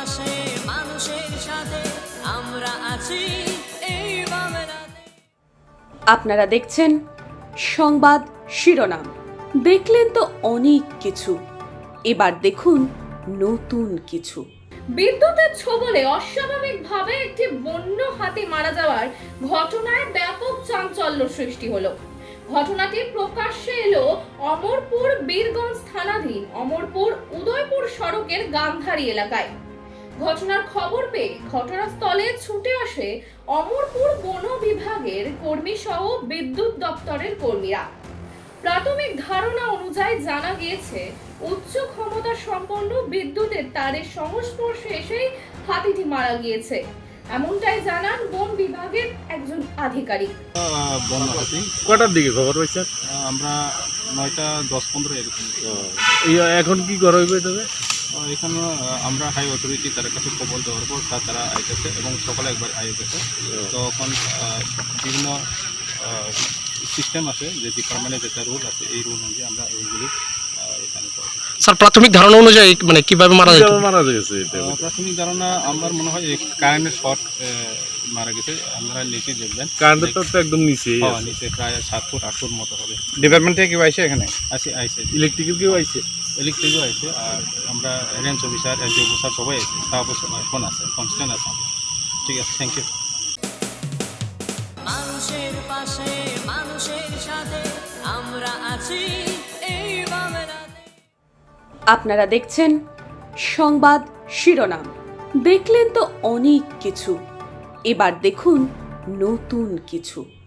পাশে মানুষের সাথে আমরা আছি এই বাংলাতে। আপনারা দেখছেন সংবাদ শিরোনাম। দেখলেন তো অনেক কিছু, এবার দেখুন নতুন কিছু। বিদ্যুতের ছোবলে অস্বাভাবিকভাবে একটি বন্য হাতি মারা যাওয়ার ঘটনায় ব্যাপক চাঞ্চল্য সৃষ্টি হলো। ঘটনাটি প্রকাশ্যে এলো অমরপুর বীরগঞ্জ থানাধীন অমরপুর উদয়পুর সড়কের গান্ধারী এলাকায়। ঘটনার খবর পেয়ে ঘটনাস্থলে ছুটে আসে অমরপুর বন বিভাগের কর্মী সহ বিদ্যুৎ দপ্তরের কর্মীরা। প্রাথমিক ধারণা অনুযায়ী জানা গিয়েছে উচ্চ ক্ষমতা সম্পন্ন বিদ্যুতের তারের সংস্পর্শে এসেই হাতিটি মারা গিয়েছে, এমনটাই জানান বন বিভাগের একজন আধিকারিক। বন্য হাতি কটার দিকে খবর পাইছে? আমরা 9টা 10-15 এরকম। এখন কি করা হইবে তবে? এখানে আমরা হাই অথরিটি তার কাছে খবর দেওয়ার পর তারা আইতেছে এবং সকালে একবার আইতেছে। তখন বিভিন্ন সিস্টেম আছে, যে ডিপার্টমেন্টের যেটা রুল আছে এই রুল অনুযায়ী আমরা এইগুলি এখানে করি। স্যার, প্রাথমিক ধারণা অনুযায়ী মানে কিভাবে মারা যায়? মারা গেছে এটা? প্রাথমিক ধারণা আমার মনে হয় কারেন্টের শর্ট মারা গেছে। আমরা নিচে দেখবেন কারেন্টের তো একদম নিচে নিচে প্রায় 7 ফুট 8 ফুট মতো হবে। ডিপার্টমেন্ট থেকে কেউ আইছে এখানে? আইসে ইলেকট্রিকের কেউ আইছে? ইলেকট্রিকও আছে, আর আমরা রেঞ্জ অফিসার এসডিও অফিসার সবাই আছে, স্টাফ এখন আছে, কনস্ট্যান্ট আছে। ঠিক আছে, থ্যাংক ইউ। মানুষের পাশে মানুষের সাথে আমরা আছি এই বাংলাতে। আপনারা দেখছেন সংবাদ শিরোনাম। দেখলেন তো অনেক কিছু, এবার দেখুন নতুন কিছু।